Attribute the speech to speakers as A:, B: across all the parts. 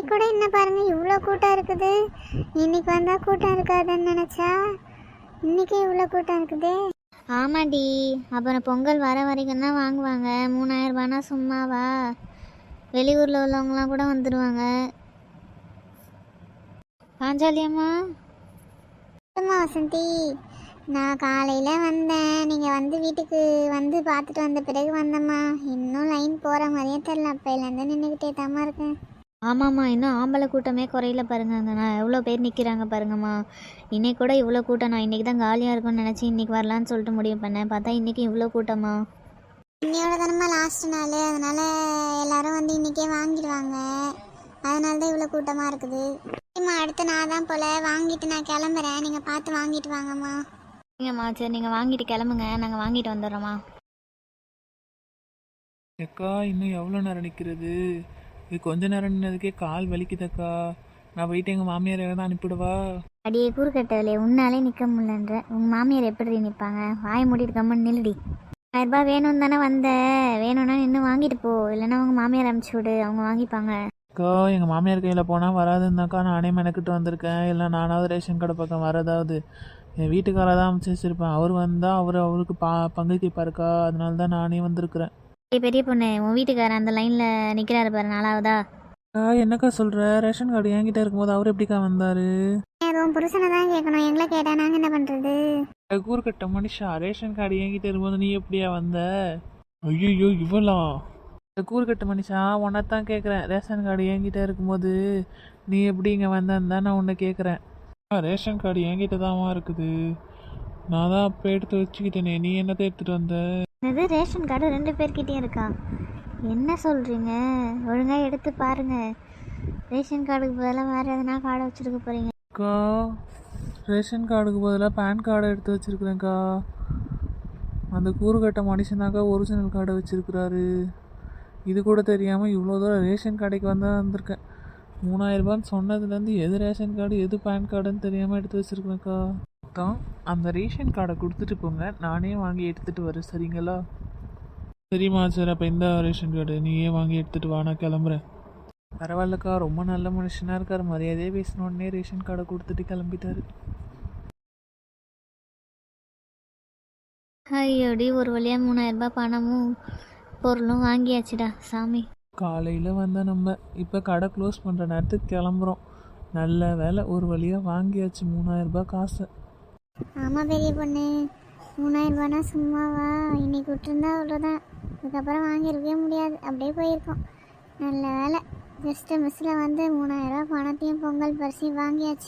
A: இன்னைக்கு கூட என்ன பாருங்க இவ்வளோ கூட்டம் இருக்குது. இன்னைக்கு வந்தால் கூட்டம் இருக்காதுன்னு நினச்சா இன்னைக்கே இவ்வளோ கூட்டம் இருக்குது.
B: ஆமாடி, அப்புறம் பொங்கல் வர வரைக்கும் தான் வாங்குவாங்க. 3000 ரூபானா சும்மாவா? வெளியூரில் உள்ளவங்களாம் கூட வந்துடுவாங்க. பாஞ்சாலியம்மா,
A: அம்மா வசந்தி, நான் காலையில் வந்தேன். நீங்கள் வந்து வீட்டுக்கு வந்து பார்த்துட்டு வந்த பிறகு வந்தம்மா. இன்னும் லைன் போகிற மாதிரியே தெரில. அப்போலேருந்து நின்றுக்கிட்டே தாம்மா இருக்கேன்.
B: ஆமாம்மா, இன்னும் ஆம்பளை கூட்டமே குறையில பாருங்க. நான் எவ்வளோ பேர் நிற்கிறாங்க பாருங்கம்மா. இன்னைக்கு கூட இவ்வளோ கூட்டம். நான் இன்றைக்கி தான் காலியாக இருக்கும்னு நினச்சி இன்றைக்கி வரலான்னு சொல்லிட்டு முடிவு பண்ணேன். பார்த்தா இன்றைக்கி இவ்வளோ கூட்டமா?
A: இன்னையோட தானம்மா லாஸ்ட் நாள், அதனால் எல்லோரும் வந்து இன்றைக்கே வாங்கிடுவாங்க. அதனால தான் இவ்வளோ கூட்டமாக இருக்குது. சரிம்மா, அடுத்து நான் தான் போல் வாங்கிட்டு நான் கிளம்புறேன். நீங்கள் பார்த்து வாங்கிட்டு வாங்கம்மா.
B: சரிங்கம்மா, சரி நீங்கள் வாங்கிட்டு கிளம்புங்க, நாங்கள் வாங்கிட்டு வந்துடுறோம்மா.
C: அக்கா இன்னும் எவ்வளோ நேரம் நிற்கிறது? இது கொஞ்ச நேரம் நின்னதுக்கே கால் வலிக்குதக்கா. நான் போயிட்டு எங்கள் மாமியார் தான் அனுப்பிவிடுவா?
B: அடியே கூறுகட்டவில்லை, உன்னாலே நிற்க முடியலன்ற. உங்கள் மாமியார் எப்படி நிற்பாங்க? வாய் மூடிட்டு கம்மன்னு நில்லுடி. 1000 ரூபாய் வேணும் தானே வந்த, வேணும்னா இன்னும் வாங்கிட்டு போ. இல்லைன்னா உங்கள் மாமியார் அனுப்பிச்சி விடு, அவங்க வாங்கிப்பாங்க.
C: அக்கா எங்கள் மாமியார் கையில் போனால் வராதுன்னாக்கா நானே மெனக்கிட்டு வந்திருக்கேன். இல்லை நானாவது ரேஷன் கடை பக்கம் வரதாவது என் வீட்டுக்காரர் தான் அமைச்சு வச்சுருப்பேன். அவர் வந்தால் அவருக்கு பங்கு கேட்பாருக்கா. அதனால தான் நானே வந்திருக்கிறேன்.
B: பெரிய பொண்ணு, உன் வீட்டுக்காரர் அந்த லைனில் நிற்கிறாரு பாரு, 4ஆவதா?
C: என்னக்கா சொல்கிற? ரேஷன் கார்டு என்கிட்ட இருக்கும்போது அவர் எப்படிக்கா வந்தார்?
A: உன் புருஷனை தான் கேட்கணும், எங்களை கேட்டால் நாங்கள் என்ன பண்ணுறது?
C: கூறுகட்ட மனுஷா, ரேஷன் கார்டு என்கிட்ட இருக்கும்போது நீ எப்படியா வந்த? ஐயோ இவளா? கூறுகட்ட மனுஷா, உன்னைத்தான் கேட்குறேன். ரேஷன் கார்டு என்கிட்ட இருக்கும்போது நீ எப்படி இங்கே வந்தேன்னு தான் நான் உன்னை கேட்குறேன். ரேஷன் கார்டு என்கிட்ட தான்மா இருக்குது. நான் தான் அப்போ எடுத்து வச்சுக்கிட்டேனே, நீ என்னத்தை எடுத்துகிட்டு வந்த?
B: இது ரேஷன் கார்டு 2 பேர்கிட்டையும் இருக்கா? என்ன சொல்கிறீங்க? ஒழுங்காக எடுத்து பாருங்கள். ரேஷன் கார்டுக்கு பதிலாக வேறு எதனா கார்டை வச்சுருக்க போகிறீங்க.
C: அக்கா, ரேஷன் கார்டுக்கு பதிலாக பேன் கார்டை எடுத்து வச்சுருக்குறேங்க்கா. அந்த கூறுகட்ட மனுஷனாக்கா ஒரிஜினல் கார்டை வச்சுருக்குறாரு. இது கூட தெரியாமல் இவ்வளோ தூரம் ரேஷன் கடைக்கு வந்திருக்கேன். 3000 ரூபான்னு சொன்னதுலேருந்து எது ரேஷன் கார்டு எது பேன் கார்டுன்னு தெரியாமல் எடுத்து வச்சுருக்குறேங்க்கா. தான் அந்த ரேஷன் கார்டை கொடுத்துட்டு போங்க, நானே வாங்கி எடுத்துகிட்டு வரேன், சரிங்களா? சரிம்மா, சரி. அப்போ இந்த ரேஷன் கார்டு நீயே வாங்கி எடுத்துகிட்டு வா, நான் கிளம்புறேன். பரவாயில்லக்கா, ரொம்ப நல்ல மனுஷனாக இருக்கார். மரியாதையே பேசினோடனே ரேஷன் கார்டை கொடுத்துட்டு கிளம்பிட்டாரு.
B: ஐயோடி, ஒரு வழியாக 3000 ரூபாய் பணமும் பொருளும் வாங்கியாச்சுடா சாமி.
C: காலையில் வந்த நம்ம இப்போ கடை க்ளோஸ் பண்ணுற நேரத்துக்கு கிளம்புறோம். நல்ல வேலை, ஒரு வழியாக வாங்கியாச்சு 3000 ரூபாய் காசை.
A: ஆமாம் பெரிய பொண்ணு, 3000 ரூபானா சும்மாவா? இன்னைக்கு விட்டுருந்தா அவ்வளோதான். அதுக்கப்புறம் வாங்கியிருக்கவே முடியாது, அப்படியே போயிருக்கோம். நல்ல வேலை, ஜஸ்ட்டு மிஸ்ஸில் வந்து 3000 ரூபா பணத்தையும் பொங்கல் பரிசையும் வாங்கியாச்சு.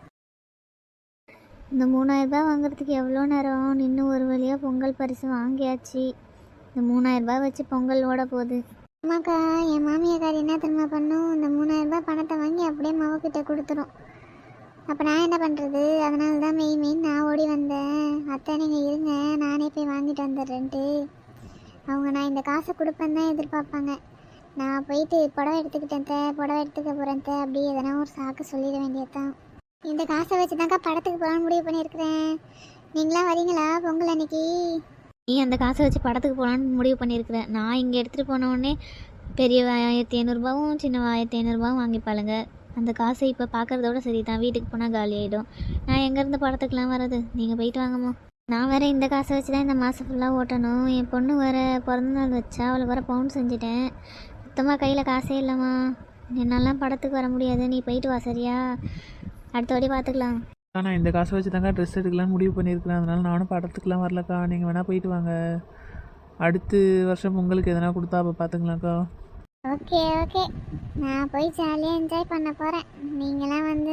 B: இந்த 3000 ரூபாய் வாங்குறதுக்கு எவ்வளோ நேரம் நின்று ஒரு வழியாக பொங்கல் பரிசு வாங்கியாச்சு. இந்த 3000 ரூபாய் வச்சு பொங்கல் ஓட போகுது.
A: அம்மாக்கா, என் மாமியாக்கார் என்ன திரும்ப பண்ணும்? இந்த 3000 ரூபாய் பணத்தை வாங்கி அப்படியே மவக்கிட்ட கொடுத்துரும். அப்போ நான் என்ன பண்ணுறது? அதனால தான் மெயின் நான் ஓடி வந்தேன். அத்தை நீங்கள் இருங்க, நானே போய் வாங்கிட்டு வந்துடுறேன்ட்டு. அவங்க நான் இந்த காசை கொடுப்பேன்னு தான் எதிர்பார்ப்பாங்க. நான் போயிட்டு புடவை எடுத்துக்கிட்டேன், புடவை எடுத்துக்க போகிறேன் அப்படி எதனா ஒரு சாக்கு சொல்லிட வேண்டியது தான். இந்த காசை வச்சு தான்க்கா படத்துக்கு போகலான்னு முடிவு பண்ணியிருக்கிறேன். நீங்களாம் வரீங்களா பொங்கல் அன்னைக்கு?
B: நீ அந்த காசை வச்சு படத்துக்கு போகலான்னு முடிவு பண்ணியிருக்கிறேன். நான் இங்கே எடுத்துகிட்டு போனோடனே பெரிய 1500 ரூபாவும் சின்ன 1500 ரூபாவும் வாங்கிப்பாளுங்க. அந்த காசை இப்போ பார்க்குறதோட சரி தான், வீட்டுக்கு போனால் காலி ஆகிடும். நான் எங்கேருந்து படத்துக்குலாம் வர்றது? நீங்கள் போயிட்டு வாங்கம்மா. நான் வேறு இந்த காசை வச்சு தான் இந்த மாதம் ஃபுல்லாக ஓட்டணும். என் பொண்ணு வேறு பிறந்தநாள் வச்சா, அவளை வேறு பவுன் செஞ்சுட்டேன். சுத்தமாக கையில் காசே இல்லைம்மா. என்னாலாம் படத்துக்கு வர முடியாது, நீ போயிட்டு வா சரியா? அடுத்த வாட்டி பார்த்துக்கலாம்.
C: நான் இந்த காசை வச்சு தாங்க ட்ரெஸ் எடுக்கலான்னு முடிவு பண்ணியிருக்கிறேன். அதனால நானும் படத்துக்குலாம் வரலக்கா. நீங்கள் வேணால் போயிட்டு வாங்க. அடுத்த வருஷம் உங்களுக்கு எதனா கொடுத்தா அப்போ பார்த்துக்கலாம்க்கா.
A: ஓகே, நான் போய் ஜாலியாக என்ஜாய் பண்ண போகிறேன். நீங்களாம் வந்து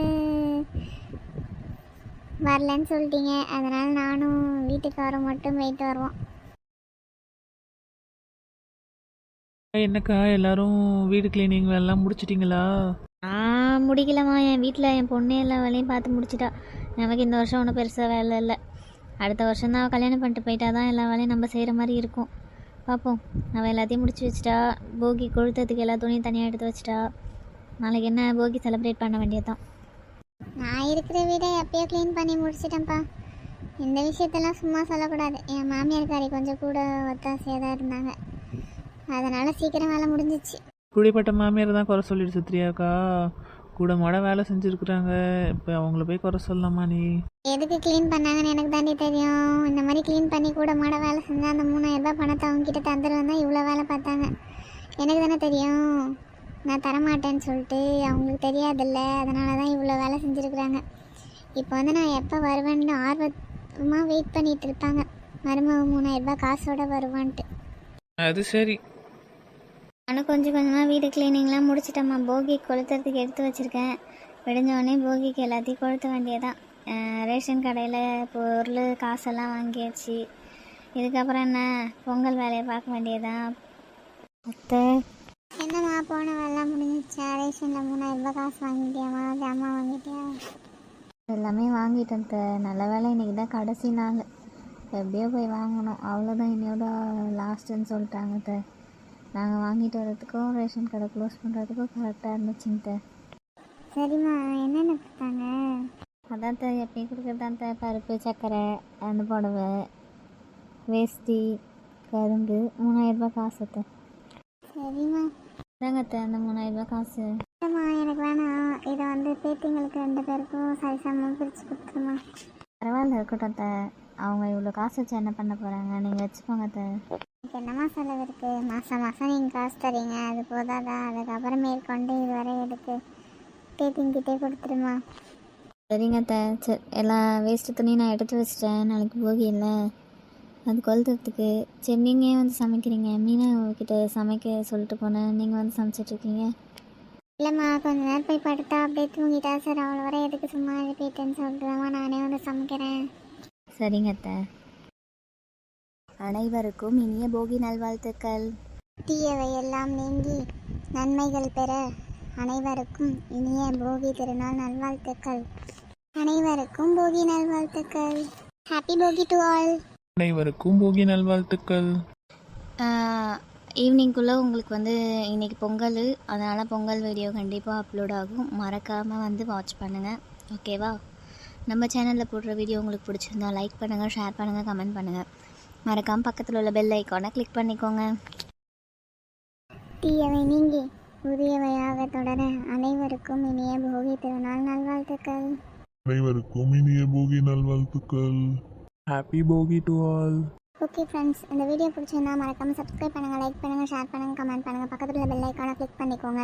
A: வரலன்னு சொல்லிட்டீங்க, அதனால் நானும் வீட்டுக்காரரும் மட்டும் போயிட்டு வருவோம்.
C: என்னக்கா எல்லாரும் வீடு கிளீனிங் வேலைலாம் முடிச்சிட்டிங்களா?
B: நான் முடிக்கலம்மா. என் வீட்டில் என் பொண்ணே எல்லா வேலையும் பார்த்து முடிச்சிட்டா. நமக்கு இந்த வருஷம் ஒன்றும் பெருசாக வேலை இல்லை. அடுத்த வருஷம் தான் கல்யாணம் பண்ணிட்டு போயிட்டா தான் எல்லா வேலையும் நம்ம செய்கிற மாதிரி இருக்கும். பார்ப்போம். அவள் எல்லாத்தையும் முடிச்சு வச்சிட்டா. போகி கொளுத்ததுக்கு எல்லா துணியும் தனியாக எடுத்து வச்சிட்டா. நாளைக்கு என்ன போகி செலிப்ரேட் பண்ண வேண்டியது தான்.
A: நான் இருக்கிற வீடை எப்பயோ க்ளீன் பண்ணி முடிச்சிட்டேன்ப்பா. இந்த விஷயத்தெல்லாம் சும்மா சொல்லக்கூடாது. என் மாமியார்காரி கொஞ்சம் கூட ஒத்தாசையாக தான் இருந்தாங்க, அதனால் சீக்கிரம் வேலை முடிஞ்சிச்சு.
C: இப்படிப்பட்ட மாமியார் தான் குறை சொல்லிட்டு சுத்திரியாக்கா? கூட மாட வேலை செஞ்சுருக்குறாங்க, இப்போ அவங்கள போய் குறை சொல்லலாமா நீ?
A: எதுக்கு க்ளீன் பண்ணாங்கன்னு எனக்கு தாண்டி தெரியும். இந்த மாதிரி க்ளீன் பண்ணி கூட மாட வேலை செஞ்சால் அந்த 3000 ரூபாய் பணத்தை அவங்க கிட்ட தந்துடுவேன் தான் இவ்வளோ வேலை பார்த்தாங்க. எனக்கு தானே தெரியும் நான் தரமாட்டேன்னு சொல்லிட்டு. அவங்களுக்கு தெரியாதுல்ல, அதனால தான் இவ்வளோ வேலை செஞ்சுருக்குறாங்க. இப்போ வந்து நான் எப்போ வருவேன்னு ஆர்வமாக வெயிட் பண்ணிகிட்டு இருப்பாங்க. மருமக 3000 ரூபாய் காசோட வருவான்ட்டு.
C: அது சரி.
B: நானும் கொஞ்சம் கொஞ்சமாக வீடு க்ளீனிங்லாம் முடிச்சிட்டேம்மா. போகி கொளுத்துறதுக்கு எடுத்து வச்சுருக்கேன். விடிஞ்சோடனே போகிக்கு எல்லாத்தையும் கொளுத்த வேண்டியதான். ரேஷன் கடையில் பொருள் காசெல்லாம் வாங்கியாச்சு. இதுக்கப்புறம் என்ன, பொங்கல் வேலையை பார்க்க வேண்டியதான். அத்தை
A: என்னம்மா போன வேலைலாம் முடிஞ்சிச்சா? ரேஷனில் 3000 ரூபாய் காசு வாங்கிட்டியாம்மா? ஜாமான் வாங்கிட்டியா?
B: எல்லாமே வாங்கிட்டேன் அத்தை. நல்ல வேலை இன்றைக்கி தான் கடைசி நாள். எப்படியோ போய் வாங்கணும், அவ்வளோதான். இன்னையோட லாஸ்ட்டுன்னு சொல்லிட்டாங்க அத்தை. நாங்கள் வாங்கிட்டு வரதுக்கும் ரேஷன் கடை க்ளோஸ் பண்ணுறதுக்கும் கரெக்டாக இருந்துச்சுங்க.
A: சரிம்மா, என்னென்ன கொடுத்தாங்க?
B: அதான் த எப்பயும் கொடுக்குறதான் த பருப்பு, சர்க்கரை, அந்த புடவை, வேஷ்டி, கரும்பு, 3000 ரூபாய் காசு அத்தை.
A: சரிம்மா.
B: இதாங்க அத்தை அந்த 3000 ரூபாய் காசு.
A: இல்லைம்மா, எனக்கு வேணாம். இதை வந்து பேத்திங்களுக்கு 2 பேருக்கும் சரிசமமாக பிரித்து கொடுத்துருமா.
B: பரவாயில்ல, இருக்கட்டும் அத்தை. அவங்க இவ்வளோ காசு வச்சு என்ன பண்ண போகிறாங்க, நீங்கள் வச்சுக்கோங்க அத்தை.
A: எனக்கு என்னம்மா செலவு இருக்குது? மாதம் மாதம் நீங்கள் காசு தரீங்க, அது போதாதா? அதுக்கப்புறம் மேற்கொண்டு இது வரை எடுத்து பேத்திங்கிட்டே கொடுத்துருமா.
B: சரிங்க அத்தை. சரி, எல்லா வேஸ்ட்டு துணியும் நான் எடுத்து வச்சிட்டேன். நாளைக்கு போகி இல்லை, அது கொளுத்துறதுக்கு. சரி, நீங்கள் ஏன் வந்து சமைக்கிறீங்க? மீனா கிட்ட சமைக்க சொல்லிட்டு போனேன், நீங்கள் வந்து சமைச்சிட்ருக்கீங்க.
A: இல்லைம்மா, கொஞ்ச நேரம் போய் படுத்தா அப்படியே தூங்கிட்டா. சார் அவ்வளோ வரை எதுக்கு சும்மா எழுப்பிட்டேன்னு சொல்லிட்டுதாம்மா நானே வந்து சமைக்கிறேன்.
B: சரிங்க அத்தை. அனைவருக்கும் இனிய போகி நல்வாழ்த்துக்கள்.
A: தீயவை எல்லாம் நீங்கி நன்மைகள் பெற அனைவருக்கும் இனிய போகி திருநாள் நல்வாழ்த்துக்கள். அனைவருக்கும் போகி நல்வாழ்த்துக்கள். ஹாப்பி போகி டு ஆல்.
C: அனைவருக்கும் போகி நல்வாழ்த்துக்கள்.
B: ஈவினிங்குள்ளே உங்களுக்கு வந்து இன்றைக்கி பொங்கல், அதனால் பொங்கல் வீடியோ கண்டிப்பாக அப்லோட் ஆகும். மறக்காமல் வந்து வாட்ச் பண்ணுங்கள், ஓகேவா? நம்ம சேனலில் போடுற வீடியோ உங்களுக்கு பிடிச்சிருந்தா லைக் பண்ணுங்கள், ஷேர் பண்ணுங்கள், கமெண்ட் பண்ணுங்கள். மறக்காமல் பக்கத்தில் உள்ள பெல் ஐக்கானை கிளிக் பண்ணிக்கோங்க.
A: தீயவை நீங்கி புதியவையாக தொடர அனைவருக்கும் இனிய போகி திருநாள் நல்வாழ்த்துக்கள்.
D: அனைவருக்கும் இனிய போகி நல்வாழ்த்துக்கள்.
C: ஹாப்பி போகி டு ஆல்.
A: ஓகே ஃப்ரெண்ட்ஸ், இந்த வீடியோ பிடிச்சிருந்தா மறக்காமல் சப்ஸ்கிரைப் பண்ணுங்கள், லைக் பண்ணுங்கள், ஷேர் பண்ணுங்கள், கமெண்ட் பண்ணுங்கள், பக்கத்தில் உள்ள பெல் ஐக்கானை கிளிக் பண்ணிக்கோங்க.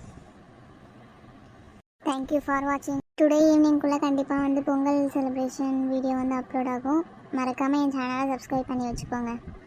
A: தேங்க்யூ ஃபார் வாட்சிங். டுடே ஈவினிங்குள்ளே கண்டிப்பாக வந்து பொங்கல் செலிப்ரேஷன் வீடியோ வந்து அப்லோட் ஆகும். மறக்காமல் என் சேனலை சப்ஸ்கிரைப் பண்ணி வச்சுக்கோங்க.